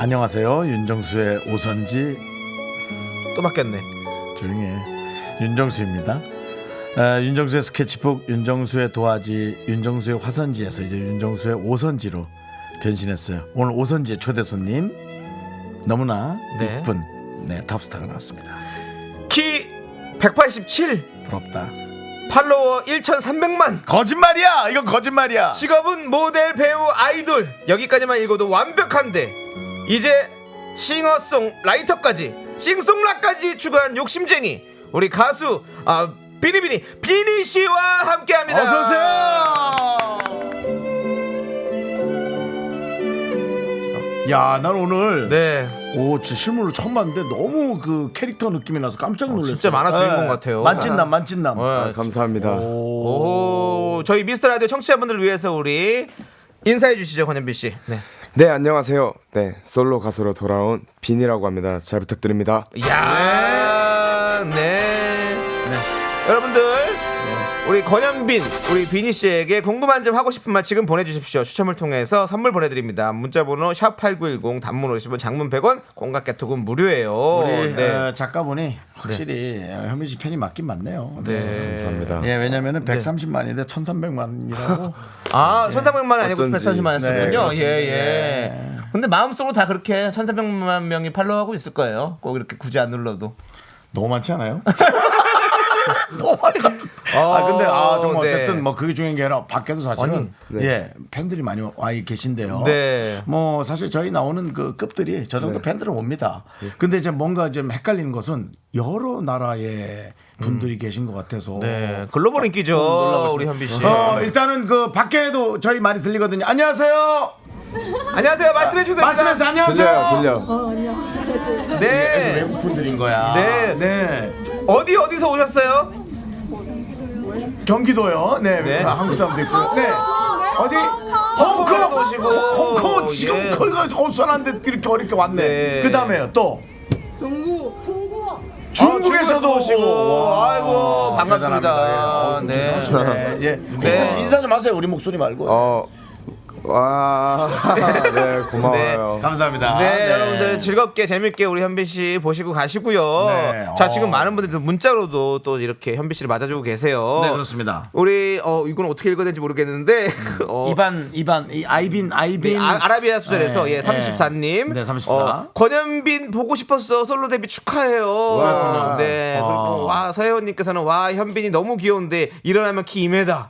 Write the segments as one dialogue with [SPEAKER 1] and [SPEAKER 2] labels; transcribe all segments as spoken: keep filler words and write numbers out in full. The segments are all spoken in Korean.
[SPEAKER 1] 안녕하세요. 윤정수의 오선지
[SPEAKER 2] 또 바뀌었네.
[SPEAKER 1] 조용히 해. 윤정수입니다. 아, 윤정수의 스케치북, 윤정수의 도화지, 윤정수의 화선지에서 이제 윤정수의 오선지로 변신했어요. 오늘 오선지의 초대 손님 너무나
[SPEAKER 2] 네.
[SPEAKER 1] 이쁜 네, 탑스타가 나왔습니다.
[SPEAKER 2] 키 백팔십칠,
[SPEAKER 1] 부럽다.
[SPEAKER 2] 팔로워 천삼백만,
[SPEAKER 1] 거짓말이야. 이건 거짓말이야.
[SPEAKER 2] 직업은 모델, 배우, 아이돌. 여기까지만 읽어도 완벽한데 이제 싱어송라이터까지, 싱송라까지 추가한 욕심쟁이 우리 가수 아, 비니비니 비니 씨와 함께합니다.
[SPEAKER 1] 어서 오세요. 야, 난 오늘
[SPEAKER 2] 네,
[SPEAKER 1] 오, 진짜 실물로 처음 봤는데 너무 그 캐릭터 느낌이 나서 깜짝 놀랐어요.
[SPEAKER 2] 진짜 만화 주인공 같아요.
[SPEAKER 1] 만찢남, 만찢남.
[SPEAKER 2] 어,
[SPEAKER 3] 감사합니다.
[SPEAKER 2] 오, 저희 미스터 라디오 청취자분들을 위해서 우리 인사해 주시죠, 권현빈 씨. 네.
[SPEAKER 3] 네, 안녕하세요. 네, 솔로 가수로 돌아온 빈이라고 합니다. 잘 부탁드립니다.
[SPEAKER 2] 야, 네. 네. 여러분들, 우리 권현빈, 우리 비니 씨에게 궁금한 점, 하고 싶은 말 지금 보내주십시오. 추첨을 통해서 선물 보내드립니다. 문자번호 샵 팔구일공, 단문 오십 원, 장문 백 원, 공각개톡은 무료예요.
[SPEAKER 1] 우리
[SPEAKER 2] 네.
[SPEAKER 1] 어, 작가분이 확실히 어, 현민 씨 팬이 맞긴 맞네요.
[SPEAKER 2] 네.
[SPEAKER 3] 감사합니다.
[SPEAKER 1] 예, 왜냐면은 백삼십만인데 천삼백만이라고.
[SPEAKER 2] 아, 천삼백만 원 아니고
[SPEAKER 3] 어쩐지.
[SPEAKER 2] 백삼십만
[SPEAKER 1] 네,
[SPEAKER 2] 원이었군요.
[SPEAKER 1] 그렇습니다.
[SPEAKER 2] 예, 예. 근데 마음속으로 다 그렇게 천삼백만 명이 팔로우하고 있을 거예요. 꼭 이렇게 굳이 안 눌러도.
[SPEAKER 1] 너무 많지 않아요? 너무 많이 같은. 아 근데 아 정말
[SPEAKER 2] 네.
[SPEAKER 1] 어쨌든 뭐 그게 중요한 게 아니라 밖에도 사실은
[SPEAKER 3] 아니,
[SPEAKER 1] 예 팬들이 많이 와 계신데요.
[SPEAKER 2] 네.
[SPEAKER 1] 뭐 사실 저희 나오는 그 급들이 저 정도 팬들은 옵니다. 근데 이제 뭔가 좀 헷갈리는 것은 여러 나라의 분들이 계신 것 같아서.
[SPEAKER 2] 네. 글로벌 인기죠.
[SPEAKER 1] 놀라고
[SPEAKER 2] 우리
[SPEAKER 1] 있습니다.
[SPEAKER 2] 현빈 씨.
[SPEAKER 1] 어, 일단은 그 밖에도 저희 말이 들리거든요. 안녕하세요.
[SPEAKER 2] 안녕하세요. 말씀해 주세요.
[SPEAKER 1] 말씀해서 안녕하세요.
[SPEAKER 3] 들려요, 들려.
[SPEAKER 2] 네.
[SPEAKER 1] 외국 분들인 거야.
[SPEAKER 2] 네.
[SPEAKER 1] 네.
[SPEAKER 2] 어디 어디서 오셨어요?
[SPEAKER 1] 경기도요. 네.
[SPEAKER 2] 네.
[SPEAKER 1] 한국 사람도 있고요. 네. 어디? 홍콩.
[SPEAKER 2] 홍콩에도 오시고.
[SPEAKER 1] 홍콩 지금
[SPEAKER 2] 예.
[SPEAKER 1] 거기가 어수선한데 이렇게 어렵게 왔네.
[SPEAKER 2] 네.
[SPEAKER 1] 그 다음에요. 또
[SPEAKER 4] 중국, 중국.
[SPEAKER 1] 중국에서도
[SPEAKER 2] 아, 오시고.
[SPEAKER 1] 와,
[SPEAKER 2] 아이고, 반갑습니다.
[SPEAKER 1] 대단합니다. 예.
[SPEAKER 2] 네.
[SPEAKER 1] 어, 대단하시네. 예.
[SPEAKER 2] 네.
[SPEAKER 1] 인사, 인사 좀 하세요. 우리 목소리 말고.
[SPEAKER 3] 어, 와, 네, 고마워요.
[SPEAKER 1] 감사합니다.
[SPEAKER 2] 네, 여러분들 즐겁게 재밌게 우리 현빈 씨 보시고 가시고요.
[SPEAKER 1] 네.
[SPEAKER 2] 자,
[SPEAKER 1] 어.
[SPEAKER 2] 지금 많은 분들이 문자로도 또 이렇게 현빈 씨를 맞아주고 계세요.
[SPEAKER 1] 네, 그렇습니다.
[SPEAKER 2] 우리 어 이건 어떻게 읽어야 되는지 모르겠는데 어,
[SPEAKER 1] 이반 이반 이 아이빈 아이빈
[SPEAKER 2] 아, 아라비아 수절에서
[SPEAKER 1] 네,
[SPEAKER 2] 예, 삼십사 님.
[SPEAKER 1] 네, 삼십사.
[SPEAKER 2] 어, 권현빈 보고 싶었어. 솔로 데뷔 축하해요.
[SPEAKER 1] 그렇군요.
[SPEAKER 2] 네.
[SPEAKER 1] 아.
[SPEAKER 2] 그리고 와, 서혜원 님께서는 와, 현빈이 너무 귀여운데 일어나면 키 이 미터.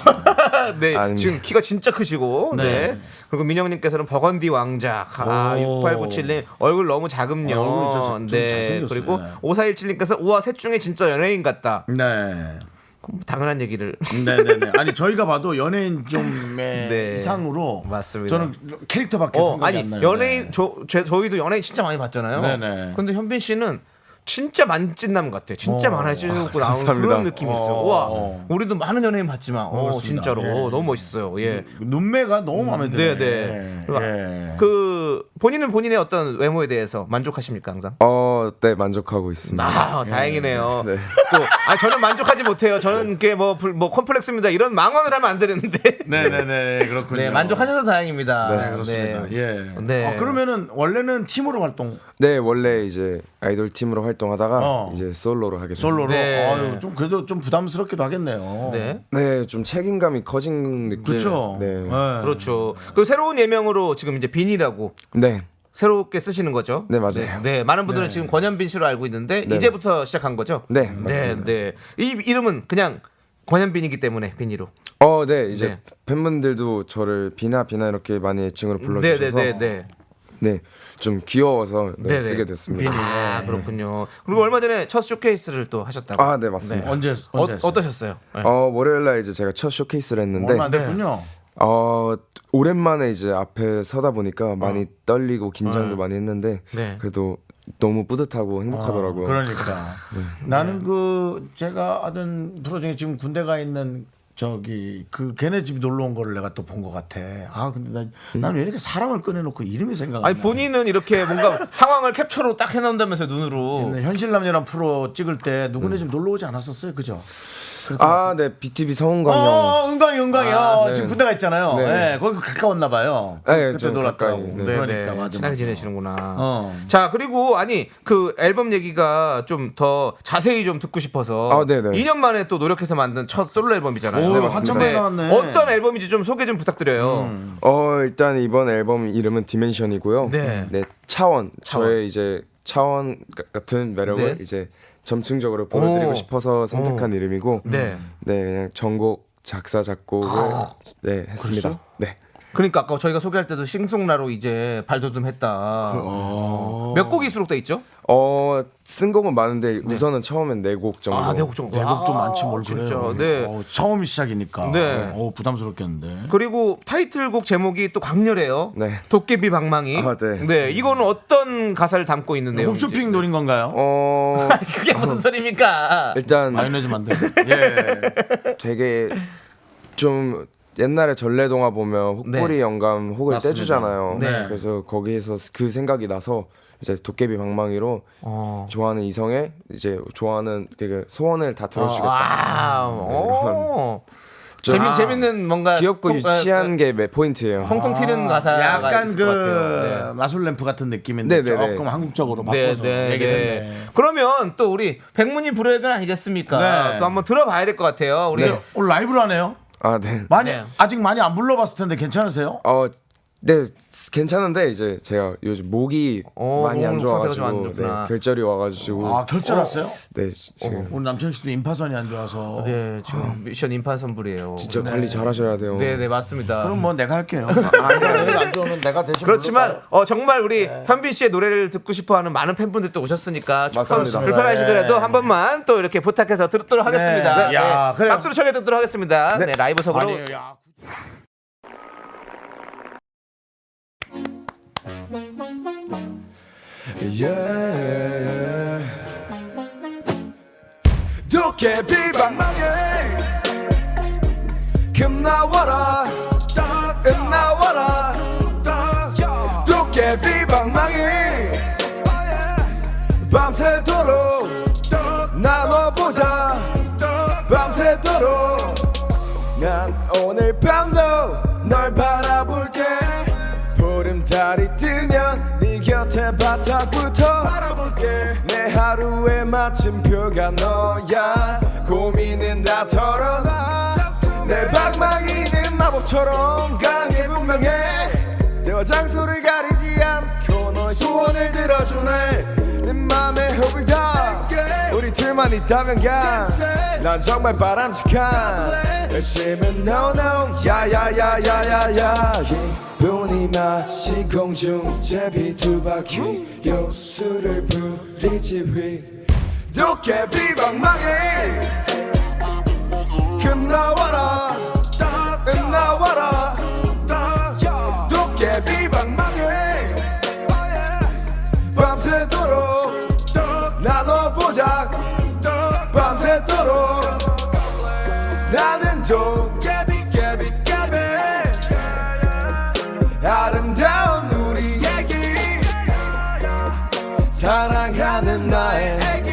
[SPEAKER 2] 네.
[SPEAKER 3] 아닙니다.
[SPEAKER 2] 지금 키가 진짜 크시고. 네.
[SPEAKER 1] 네.
[SPEAKER 2] 그리고 민영 님께서는 버건디 왕자. 아,
[SPEAKER 1] 오.
[SPEAKER 2] 육팔구칠 님 얼굴 너무 작음요.
[SPEAKER 1] 어, 얼굴이 좀- 좀
[SPEAKER 2] 네.
[SPEAKER 1] 잘생겼어요.
[SPEAKER 2] 그리고
[SPEAKER 1] 네.
[SPEAKER 2] 오사일칠 님께서 우와, 셋 중에 진짜 연예인 같다.
[SPEAKER 1] 네.
[SPEAKER 2] 그럼 당연한 얘기를.
[SPEAKER 1] 네네네. 아니 저희가 봐도 연예인 좀의
[SPEAKER 2] 네.
[SPEAKER 1] 이상으로
[SPEAKER 2] 맞습니다.
[SPEAKER 1] 저는 캐릭터밖에
[SPEAKER 2] 어,
[SPEAKER 1] 생각이
[SPEAKER 2] 아니
[SPEAKER 1] 안 나요.
[SPEAKER 2] 연예인
[SPEAKER 1] 네.
[SPEAKER 2] 저, 저 저희도 연예인 진짜 많이 봤잖아요.
[SPEAKER 1] 네네.
[SPEAKER 2] 근데 현빈 씨는 진짜 만찢남 같아. 진짜
[SPEAKER 1] 어.
[SPEAKER 2] 많이 찢고 나오는
[SPEAKER 3] 감사합니다.
[SPEAKER 2] 그런 느낌이 있어요.
[SPEAKER 1] 어.
[SPEAKER 2] 와,
[SPEAKER 1] 어.
[SPEAKER 2] 우리도 많은 연예인 봤지만, 어,
[SPEAKER 1] 그렇습니다.
[SPEAKER 2] 진짜로
[SPEAKER 1] 예.
[SPEAKER 2] 어, 너무 멋있어요. 예.
[SPEAKER 1] 눈매가 너무 마음에 들어요.
[SPEAKER 2] 네, 네.
[SPEAKER 1] 예.
[SPEAKER 2] 그 본인은 본인의 어떤 외모에 대해서 만족하십니까 항상?
[SPEAKER 3] 어, 네, 만족하고 있습니다.
[SPEAKER 2] 아, 다행이네요.
[SPEAKER 3] 네.
[SPEAKER 2] 또, 아, 저는 만족하지 못해요. 저는 그게 뭐, 불- 뭐 컴플렉스입니다. 이런 망언을 하면 안 되는데.
[SPEAKER 1] 네네네 그렇군요.
[SPEAKER 2] 네, 만족하셔서 다행입니다.
[SPEAKER 1] 네, 그렇습니다. 예.
[SPEAKER 2] 네.
[SPEAKER 1] 어, 그러면은 원래는 팀으로 활동
[SPEAKER 3] 네, 원래 이제 아이돌 팀으로 활동하다가
[SPEAKER 1] 어.
[SPEAKER 3] 이제 솔로로 하게 됐어요.
[SPEAKER 1] 솔로로
[SPEAKER 2] 네.
[SPEAKER 1] 아유, 좀 그래도 좀 부담스럽기도 하겠네요.
[SPEAKER 2] 네.
[SPEAKER 3] 네, 좀 책임감이 커진 느낌.
[SPEAKER 1] 그렇죠.
[SPEAKER 3] 네.
[SPEAKER 1] 네.
[SPEAKER 2] 그렇죠. 그 새로운 예명으로 지금 이제 빈이라고
[SPEAKER 3] 네.
[SPEAKER 2] 새롭게 쓰시는 거죠?
[SPEAKER 3] 네, 맞아요.
[SPEAKER 2] 네, 네, 많은 분들은
[SPEAKER 1] 네.
[SPEAKER 2] 지금 권현빈 씨로 알고 있는데
[SPEAKER 3] 네.
[SPEAKER 2] 이제부터 시작한 거죠?
[SPEAKER 3] 네,
[SPEAKER 2] 네,
[SPEAKER 3] 맞습니다.
[SPEAKER 2] 네. 이 이름은 그냥 권현빈이기 때문에 빈이로.
[SPEAKER 3] 어, 네, 이제
[SPEAKER 2] 네.
[SPEAKER 3] 팬분들도 저를 비나 비나 이렇게 많이 애칭으로
[SPEAKER 2] 네,
[SPEAKER 3] 불러주셔서
[SPEAKER 2] 네, 네, 네.
[SPEAKER 3] 네, 좀 귀여워서 네,
[SPEAKER 2] 네네.
[SPEAKER 3] 쓰게 됐습니다.
[SPEAKER 1] 빈이.
[SPEAKER 2] 아, 그렇군요. 그리고 얼마 전에 첫 쇼케이스를 또 하셨다고.
[SPEAKER 3] 아, 네, 맞습니다.
[SPEAKER 1] 언제
[SPEAKER 2] 어,
[SPEAKER 1] 언제 했어요?
[SPEAKER 2] 어떠셨어요? 네.
[SPEAKER 3] 어, 월요일 날 이제 제가 첫 쇼케이스를 했는데
[SPEAKER 1] 얼마 안 됐군요.
[SPEAKER 3] 어, 오랜만에 이제 앞에 서다 보니까 많이 떨리고 긴장도 많이 했는데
[SPEAKER 2] 네.
[SPEAKER 3] 그래도 너무 뿌듯하고 행복하더라고요.
[SPEAKER 1] 어, 그러니까 나는 그 제가 하던 프로 중에 지금 군대 가 있는 저기 그 걔네 집 놀러 온 거를 내가 또 본 것 같아. 아 근데 나 나는 왜 이렇게 사람을 꺼내놓고 이름이 생각 안 나?
[SPEAKER 2] 아니 본인은 이렇게 뭔가 상황을 캡처로 딱 해놓는다면서 눈으로.
[SPEAKER 1] 현실남녀란 프로 찍을 때 누구네 집 놀러 오지 않았었어요, 그죠?
[SPEAKER 3] 아, 네, 비티비 성은광 형.
[SPEAKER 1] 어, 은광이 은광이
[SPEAKER 3] 아,
[SPEAKER 1] 어,
[SPEAKER 3] 네.
[SPEAKER 1] 지금 군대가 있잖아요.
[SPEAKER 3] 네.
[SPEAKER 1] 네. 거기 가까웠나 봐요.
[SPEAKER 3] 네,
[SPEAKER 1] 그때
[SPEAKER 3] 좀
[SPEAKER 1] 놀았더라고.
[SPEAKER 3] 가까이, 네.
[SPEAKER 1] 그러니까 맞아.
[SPEAKER 2] 친하게
[SPEAKER 1] 맞아.
[SPEAKER 2] 지내시는구나.
[SPEAKER 1] 어.
[SPEAKER 2] 자, 그리고 아니 그 앨범 얘기가 좀 더 자세히 좀 듣고 싶어서
[SPEAKER 3] 아, 네네.
[SPEAKER 2] 이 년 만에 또 노력해서 만든 첫 솔로 앨범이잖아요.
[SPEAKER 1] 오,
[SPEAKER 2] 네,
[SPEAKER 1] 한참
[SPEAKER 2] 맞습니다.
[SPEAKER 1] 만에 나왔네.
[SPEAKER 2] 어떤 앨범인지 좀 소개 좀 부탁드려요.
[SPEAKER 1] 음.
[SPEAKER 3] 어, 일단 이번 앨범 이름은 디멘션이고요.
[SPEAKER 2] 네.
[SPEAKER 3] 차원.
[SPEAKER 2] 차원.
[SPEAKER 3] 저의 이제 차원 가- 같은 매력을
[SPEAKER 2] 네.
[SPEAKER 3] 이제 점층적으로 보여드리고
[SPEAKER 2] 오.
[SPEAKER 3] 싶어서 선택한 이름이고,
[SPEAKER 2] 네.
[SPEAKER 3] 네, 그냥 전곡 작사 작곡을 네 했습니다.
[SPEAKER 2] 그랬어요?
[SPEAKER 3] 네.
[SPEAKER 2] 그러니까 아까 저희가 소개할 때도 싱송라로 이제 발돋움했다. 어. 몇 곡이 수록돼 있죠?
[SPEAKER 3] 어, 쓴 곡은 많은데 우선은 처음엔 네 곡 정도.
[SPEAKER 2] 아, 네 곡 정도.
[SPEAKER 1] 내곡도
[SPEAKER 2] 아,
[SPEAKER 1] 많지 뭘
[SPEAKER 2] 진짜.
[SPEAKER 1] 그래요.
[SPEAKER 2] 네.
[SPEAKER 1] 어, 처음 시작이니까.
[SPEAKER 2] 네.
[SPEAKER 1] 어, 부담스럽겠는데.
[SPEAKER 2] 그리고 타이틀곡 제목이 또 강렬해요.
[SPEAKER 3] 네.
[SPEAKER 2] 도깨비 방망이.
[SPEAKER 3] 아, 네.
[SPEAKER 2] 이거는 어떤 가사를 담고 있는 내용인지.
[SPEAKER 1] 홈쇼핑 노린 건가요?
[SPEAKER 3] 어,
[SPEAKER 2] 그게 무슨 소리입니까?
[SPEAKER 3] 일단
[SPEAKER 1] 마요네즈 만들고. 예.
[SPEAKER 3] 되게 좀 옛날에 전래동화 보면 혹부리
[SPEAKER 2] 네.
[SPEAKER 3] 영감 혹을
[SPEAKER 1] 맞습니다.
[SPEAKER 3] 떼주잖아요.
[SPEAKER 2] 네.
[SPEAKER 3] 그래서 거기에서 그 생각이 나서 이제 도깨비 방망이로
[SPEAKER 2] 어.
[SPEAKER 3] 좋아하는 이성의 이제 좋아하는 그 소원을 다 들어주겠다.
[SPEAKER 2] 아, 오.
[SPEAKER 3] 좀-
[SPEAKER 2] 재밌
[SPEAKER 3] 아,
[SPEAKER 2] 재밌는 뭔가
[SPEAKER 3] 귀엽고
[SPEAKER 2] 통-
[SPEAKER 3] 유치한
[SPEAKER 2] 아,
[SPEAKER 3] 게 매- 포인트예요.
[SPEAKER 2] 통통 튀는 가사가
[SPEAKER 1] 약간
[SPEAKER 2] 있을
[SPEAKER 1] 그
[SPEAKER 2] 것 같아요.
[SPEAKER 1] 마술 램프 같은 느낌인데
[SPEAKER 3] 네, 네, 네.
[SPEAKER 1] 조금 한국적으로
[SPEAKER 2] 네,
[SPEAKER 1] 바꿔서
[SPEAKER 2] 네,
[SPEAKER 1] 얘기를
[SPEAKER 2] 네.
[SPEAKER 1] 했네.
[SPEAKER 2] 그러면 또 우리 백문이 불여일견 아니겠습니까?
[SPEAKER 1] 네.
[SPEAKER 2] 또 한번 들어봐야 될 것 같아요. 우리
[SPEAKER 1] 근데 오늘 라이브로 하네요.
[SPEAKER 3] 아, 네.
[SPEAKER 1] 많이
[SPEAKER 2] 네.
[SPEAKER 1] 아직 많이 안 불러봤을 텐데 괜찮으세요?
[SPEAKER 3] 어, 네, 괜찮은데 이제 제가 요즘 목이
[SPEAKER 2] 어,
[SPEAKER 3] 많이 안
[SPEAKER 2] 목 상태가 좀 안
[SPEAKER 3] 좋아가지고
[SPEAKER 2] 좋구나.
[SPEAKER 3] 네, 결절이 와가지고
[SPEAKER 1] 아 결절했어요?
[SPEAKER 3] 네 지금
[SPEAKER 1] 오늘 남창희 씨도 임파선이 안 좋아서.
[SPEAKER 2] 네, 지금 미션 임판 선불이에요.
[SPEAKER 3] 진짜 관리 잘하셔야 돼요.
[SPEAKER 2] 네, 네, 맞습니다.
[SPEAKER 1] 그럼 뭐 내가 할게요. 아, 내가 안 좋으면 내가 대신.
[SPEAKER 2] 그렇지만 어, 정말 우리 현빈 씨의 노래를 듣고 싶어하는 많은 팬분들도 오셨으니까 조금
[SPEAKER 3] 맞습니다.
[SPEAKER 2] 불편하시더라도
[SPEAKER 1] 네.
[SPEAKER 2] 한 번만 또 이렇게 부탁해서 듣도록 하겠습니다.
[SPEAKER 1] 네. 야, 그래요.
[SPEAKER 2] 박수로 청해 듣도록 하겠습니다. 네, 라이브석으로.
[SPEAKER 1] 아니, 야.
[SPEAKER 3] Yeah. 도깨비 방망이 금 나와라 금 나와라 도깨비 방망이 밤새도록 나눠보자 밤새도록 난 오늘 밤도 널 바라볼게 보름달이 뜨면 네 곁에 바닥부터 바라볼게 내 하루의 마침표가 너야 고민은 다 털어놔 내 방망이는 마법처럼 강해 분명해 때와 장소를 가리지 않고 너의 소원을 들어주네 내 맘에 흙을 다 우리 둘만 있다면 가난 정말 바람직한 열심히 no no 야야야야야야 기분이 맛이 공중 제비 두 바퀴 요술을 부리지 휘 도깨비 방망이 금 나와라 금 나와라 도깨비 방망이 밤새도록 나눠보자 밤새도록 나는 도깨비 깨비 깨비 아름다운 우리 애기 사랑하는 나의 애기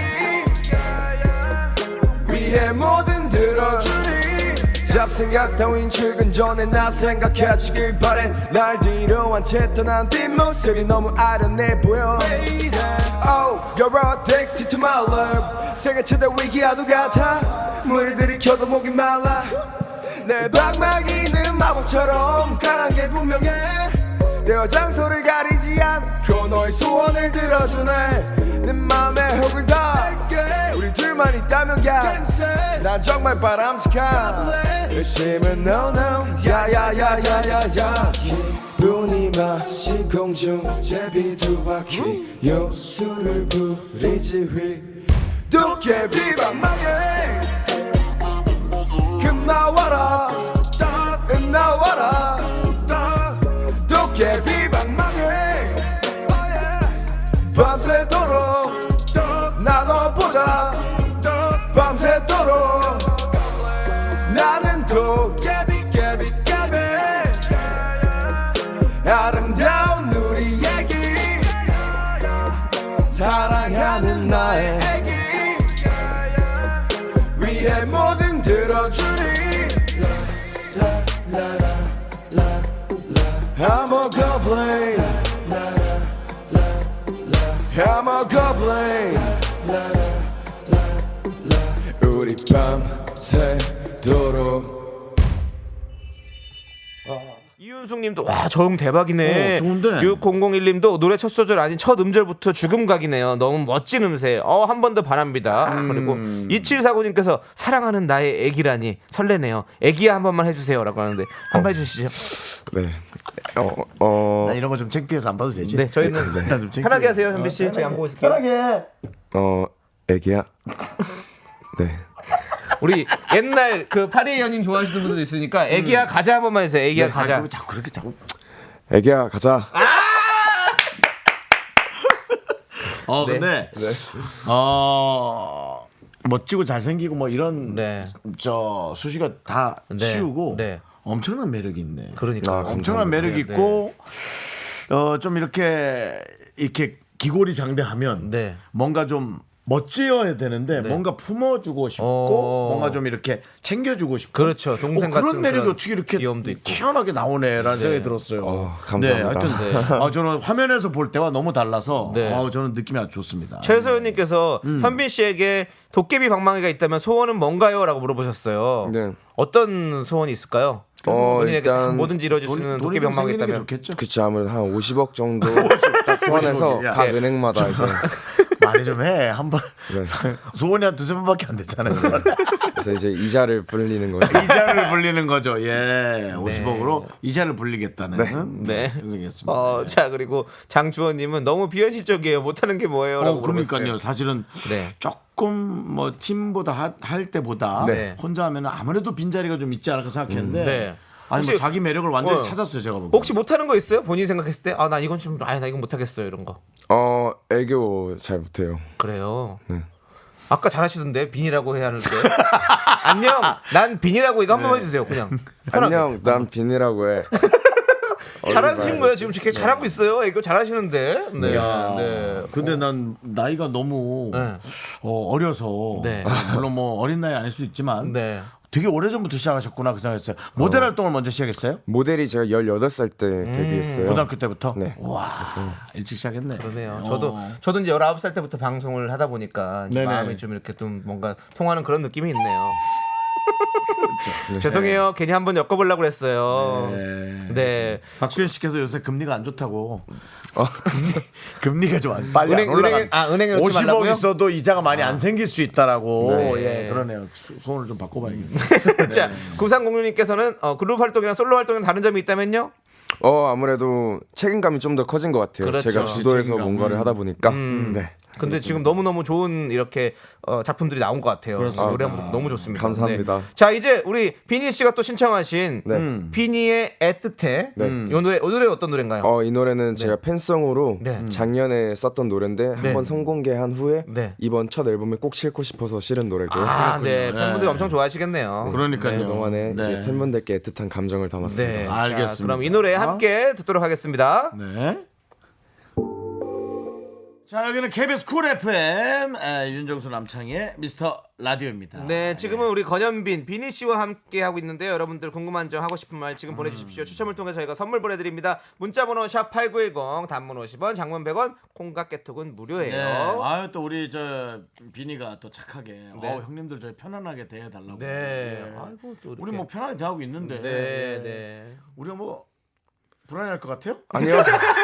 [SPEAKER 3] 위에 뭐든 들어주니 잡생각 따윈 출근 전에 나 생각해주길 바래 날 뒤로 한 채 떠난 뒷모습이 너무 아련해 보여 Oh, you're addicted to my love 생애 최대 위기와도 같아 물을 들이켜도 목이 말라 내 방망이는 마법처럼 강한 게 분명해 때와 장소를 가리지 않고 너의 소원을 들어주네 내 맘에 흙을 다 우리 둘만 있다면 가난 정말 바람직한 열심은 no no 야야야야야야 기분이 맛이 공중 제비 두 바퀴 요술을 부리지 휘 도깨비 방망이 금 나와라 금 나와라 도깨비 방망이 밤새도록 나눠보자 밤새도록 나는 도깨비 깨비 깨비 아름다운 우리 애기 사랑하는 나의 애기 위에 뭐든 들 goblin I'm a goblin 우리 밤새도록
[SPEAKER 2] 이윤숙님도 와 저음 대박이네.
[SPEAKER 1] 어, 좋은데?
[SPEAKER 2] 육공공일님도 노래 첫 소절 아닌 첫 음절부터 죽음각이네요. 너무 멋진 음색. 어, 한 번 더 바랍니다.
[SPEAKER 1] 음.
[SPEAKER 2] 그리고 이칠사구님께서 사랑하는 나의 애기라니 설레네요. 애기야 한 번만 해주세요라고 하는데 한 번 해주시죠.
[SPEAKER 3] 네. 어, 어,
[SPEAKER 1] 나 이런 거 좀 창피해서 안 봐도 되지?
[SPEAKER 2] 네, 저희는
[SPEAKER 1] 나좀 창피해.
[SPEAKER 2] 편하게 하세요, 현빈 씨. 저희 안 보고 있을게요.
[SPEAKER 1] 편하게.
[SPEAKER 3] 어, 애기야. 네.
[SPEAKER 2] 우리 옛날 그 파리의 연인 좋아하시는 분들도 있으니까 애기야 가자 한 번만 해주세요. 애기야 가자.
[SPEAKER 1] 아, 자꾸 그렇게 자꾸.
[SPEAKER 3] 애기야, 가자.
[SPEAKER 1] 어 근데 어 멋지고 잘생기고 뭐 이런
[SPEAKER 2] 네.
[SPEAKER 1] 저 수식어 다
[SPEAKER 2] 네.
[SPEAKER 1] 치우고
[SPEAKER 2] 네.
[SPEAKER 1] 엄청난 매력이 있네.
[SPEAKER 2] 그러니까
[SPEAKER 3] 아,
[SPEAKER 1] 엄청난
[SPEAKER 3] 감사합니다.
[SPEAKER 1] 매력이
[SPEAKER 2] 네,
[SPEAKER 1] 있고 어 좀 이렇게 이렇게 기골이 장대하면
[SPEAKER 2] 네.
[SPEAKER 1] 뭔가 좀 멋지어야 되는데 뭔가 품어주고 싶고
[SPEAKER 2] 어.
[SPEAKER 1] 뭔가 좀 이렇게 챙겨주고 싶고
[SPEAKER 2] 그렇죠. 동생
[SPEAKER 1] 어, 그런
[SPEAKER 2] 같은
[SPEAKER 1] 매력이
[SPEAKER 2] 그런
[SPEAKER 1] 어떻게 이렇게
[SPEAKER 2] 귀여움도 있고.
[SPEAKER 1] 희한하게 나오네라는 생각이 들었어요.
[SPEAKER 3] 어, 감사합니다.
[SPEAKER 1] 네, 하여튼 아, 저는 화면에서 볼 때와 너무 달라서
[SPEAKER 2] 네.
[SPEAKER 1] 아, 저는 느낌이 아주 좋습니다.
[SPEAKER 2] 최소연님께서
[SPEAKER 1] 음.
[SPEAKER 2] 현빈 씨에게 도깨비 방망이가 있다면 소원은 뭔가요?라고 물어보셨어요.
[SPEAKER 3] 네.
[SPEAKER 2] 어떤 소원이 있을까요?
[SPEAKER 3] 어,
[SPEAKER 2] 본인에게 다
[SPEAKER 3] 일단
[SPEAKER 2] 뭐든지 이루어질 수
[SPEAKER 1] 돈-
[SPEAKER 2] 있는
[SPEAKER 1] 돈이
[SPEAKER 2] 도깨비
[SPEAKER 1] 좀
[SPEAKER 2] 방망이가
[SPEAKER 1] 생기는 게
[SPEAKER 2] 있다면
[SPEAKER 1] 좋겠죠.
[SPEAKER 3] 그쵸, 아무래도 한 오십억 정도 딱 소환해서
[SPEAKER 1] 야.
[SPEAKER 3] 각 은행마다 이제
[SPEAKER 1] 많이 좀 해. 한 번
[SPEAKER 3] 네.
[SPEAKER 1] 소원이 한 두세 번밖에 안 됐잖아요.
[SPEAKER 3] 그래서 이제 이자를 불리는 거죠.
[SPEAKER 1] 이자를 불리는 거죠. 예. 오십억으로 이자를 불리겠다는.
[SPEAKER 2] 네.
[SPEAKER 1] 그렇겠습니다.
[SPEAKER 2] 어, 자 그리고 장주원님은 너무 비현실적이에요. 못하는 게 뭐예요?라고
[SPEAKER 1] 어, 그러니까요.
[SPEAKER 2] 물어봤어요.
[SPEAKER 1] 사실은
[SPEAKER 2] 네.
[SPEAKER 1] 조금 뭐 팀보다 하- 할 때보다
[SPEAKER 2] 네.
[SPEAKER 1] 혼자 하면 아무래도 빈자리가 좀 있지 않을까 생각했는데
[SPEAKER 2] 네.
[SPEAKER 1] 아니 뭐
[SPEAKER 2] 혹시-
[SPEAKER 1] 자기 매력을 완전히
[SPEAKER 2] 어.
[SPEAKER 1] 찾았어요. 제가 보기엔.
[SPEAKER 2] 혹시 못하는 거 있어요? 본인이 생각했을 때 아 나 이건 좀 아 나 이건 못하겠어요 이런 거.
[SPEAKER 3] 어, 애교 잘 못해요.
[SPEAKER 2] 그래요.
[SPEAKER 3] 네.
[SPEAKER 2] 아까 잘하시던데 빈이라고 해야 하는데 안녕 난 빈이라고 이거 한 번만 해주세요 그냥 편하게.
[SPEAKER 3] 안녕, 난 빈이라고 해.
[SPEAKER 2] 잘하시는 거예요 지금 되게 잘하고 있어요 이거 잘하시는데 네,
[SPEAKER 1] 야,
[SPEAKER 2] 네.
[SPEAKER 1] 근데 난 나이가 너무
[SPEAKER 2] 네.
[SPEAKER 1] 어, 어려서
[SPEAKER 2] 네.
[SPEAKER 1] 물론 뭐 어린 나이 아닐 수 있지만
[SPEAKER 2] 네.
[SPEAKER 1] 되게 오래 전부터 시작하셨구나 그 생각했어요. 모델 활동을 먼저 시작했어요?
[SPEAKER 3] 모델이 제가 열여덟 살 때 데뷔했어요.
[SPEAKER 1] 고등학교 때부터?
[SPEAKER 3] 네.
[SPEAKER 1] 와 일찍 시작했네.
[SPEAKER 2] 그러네요.
[SPEAKER 1] 어.
[SPEAKER 2] 저도 저도 이제 열아홉 살 때부터 방송을 하다 보니까 이제
[SPEAKER 1] 네네.
[SPEAKER 2] 마음이 좀 이렇게 좀 뭔가 통하는 그런 느낌이 있네요. 죄송해요. 괜히 한번 엮어보려고 그랬어요.
[SPEAKER 1] 네.
[SPEAKER 2] 네.
[SPEAKER 1] 박수현 씨께서 요새 금리가 안 좋다고. 금리, 가좀 안- 빨리
[SPEAKER 2] 은행-
[SPEAKER 1] 안 올라가.
[SPEAKER 2] 은행에- 아, 은행에 넣지
[SPEAKER 1] 오십억
[SPEAKER 2] 말라고요?
[SPEAKER 1] 있어도 이자가 많이 안 생길 수 있다라고.
[SPEAKER 2] 네.
[SPEAKER 1] 예, 그러네요. 수- 소원을 좀 바꿔봐야겠네.
[SPEAKER 2] 자, 구삼공육님께서는 어, 그룹 활동이랑 솔로 활동에 다른 점이 있다면요?
[SPEAKER 3] 어, 아무래도 책임감이 좀 더 커진 것 같아요.
[SPEAKER 2] 그렇죠.
[SPEAKER 3] 제가 주도해서
[SPEAKER 1] 책임감.
[SPEAKER 3] 뭔가를 하다 보니까. 네.
[SPEAKER 2] 근데 지금 너무너무 좋은 이렇게 어, 작품들이 나온 것 같아요. 노래 한번 너무 좋습니다.
[SPEAKER 3] 감사합니다.
[SPEAKER 2] 네. 자, 이제 우리 비니 씨가 또 신청하신
[SPEAKER 3] 네.
[SPEAKER 2] 음, 비니의 애틋해.
[SPEAKER 3] 네.
[SPEAKER 2] 이 노래, 이 노래 어떤 노래인가요?
[SPEAKER 3] 어, 이 노래는 제가 팬송으로
[SPEAKER 2] 네.
[SPEAKER 3] 작년에 썼던 노래인데
[SPEAKER 2] 네.
[SPEAKER 3] 한번 선공개한 후에
[SPEAKER 2] 네.
[SPEAKER 3] 이번 첫 앨범에 꼭 싣고 싶어서 실은 노래고요.
[SPEAKER 2] 아, 네.
[SPEAKER 1] 그렇군요.
[SPEAKER 2] 팬분들
[SPEAKER 1] 네.
[SPEAKER 2] 엄청 좋아하시겠네요.
[SPEAKER 1] 그러니까요.
[SPEAKER 3] 그동안에
[SPEAKER 1] 네.
[SPEAKER 3] 이제 팬분들께 애틋한 감정을 담았습니다.
[SPEAKER 2] 네.
[SPEAKER 1] 알겠습니다.
[SPEAKER 2] 자, 그럼 이 노래 함께 듣도록 하겠습니다.
[SPEAKER 1] 네. 자 여기는 케이비에스 쿨 에프엠 에, 윤정수 남창의 미스터 라디오입니다.
[SPEAKER 2] 네, 지금은 우리 건현빈, 비니 씨와 함께 하고 있는데요. 여러분들 궁금한 점 하고 싶은 말 지금 보내주십시오. 추첨을 통해 저희가 선물 보내드립니다. 문자번호 샵 팔구일공, 단문 오십 원, 장문 백 원, 콩과 깨톡은 무료예요.
[SPEAKER 1] 네. 아유 또 우리 저 비니가 또 착하게
[SPEAKER 2] 네.
[SPEAKER 1] 어, 형님들 저희 편안하게 대해달라고.
[SPEAKER 2] 네.
[SPEAKER 1] 예.
[SPEAKER 2] 아이고, 또 이렇게.
[SPEAKER 1] 우리 뭐 편하게 대하고 있는데.
[SPEAKER 2] 네,
[SPEAKER 1] 예.
[SPEAKER 2] 네.
[SPEAKER 1] 우리가 뭐 불안해할 것 같아요?
[SPEAKER 3] 아니요.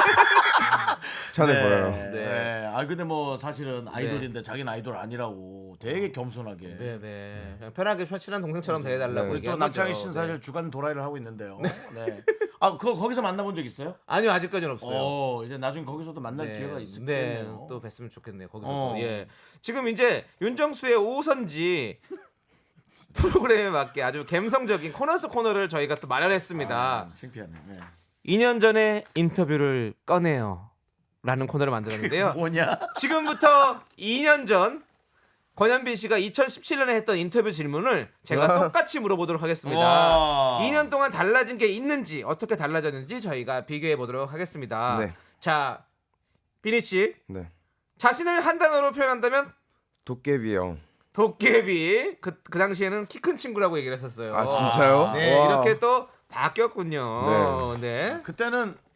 [SPEAKER 3] 편해
[SPEAKER 1] 네.
[SPEAKER 3] 보여요.
[SPEAKER 1] 네.
[SPEAKER 2] 네.
[SPEAKER 1] 아 근데 뭐 사실은 아이돌인데 자기는 아이돌 아니라고 되게 겸손하게.
[SPEAKER 2] 네, 네. 그냥 편하게 친한 동생처럼 대해달라고
[SPEAKER 3] 네.
[SPEAKER 1] 또
[SPEAKER 2] 얘기한
[SPEAKER 1] 남창희
[SPEAKER 2] 거죠.
[SPEAKER 1] 씨는
[SPEAKER 2] 네.
[SPEAKER 1] 사실 주간 도라이를 하고 있는데요. 네. 아 그거 거기서 만나본 적 있어요?
[SPEAKER 2] 아니요, 아직까지는 없어요.
[SPEAKER 1] 어 이제 나중에 거기서도 만날
[SPEAKER 2] 네,
[SPEAKER 1] 기회가
[SPEAKER 2] 네,
[SPEAKER 1] 있겠네요.
[SPEAKER 2] 또 뵀으면 좋겠네요. 거기서
[SPEAKER 1] 어.
[SPEAKER 2] 또. 예. 지금 이제 윤정수의 오선지 프로그램에 맞게 아주 감성적인 코너 속 코너를 저희가 또 마련했습니다.
[SPEAKER 1] 아, 창피하네. 네.
[SPEAKER 2] 이 년 전에 인터뷰를 꺼내요. 라는 코너를 만들었는데요.
[SPEAKER 1] 뭐냐?
[SPEAKER 2] 지금부터 이 년 전 권현빈 씨가 이천십칠 년에 했던 인터뷰 질문을 제가 똑같이 물어보도록 하겠습니다.
[SPEAKER 1] 와.
[SPEAKER 2] 이 년 동안 달라진 게 있는지 어떻게 달라졌는지 저희가 비교해 보도록 하겠습니다.
[SPEAKER 3] 네.
[SPEAKER 2] 자, 비니 씨
[SPEAKER 3] 네.
[SPEAKER 2] 자신을 한 단어로 표현한다면
[SPEAKER 3] 도깨비 형.
[SPEAKER 2] 도깨비. 그, 그 당시에는 키 큰 친구라고 얘기를 했었어요.
[SPEAKER 3] 아, 진짜요?
[SPEAKER 2] 네,
[SPEAKER 3] 와.
[SPEAKER 2] 이렇게 또 바뀌었군요. 네.
[SPEAKER 1] 그때는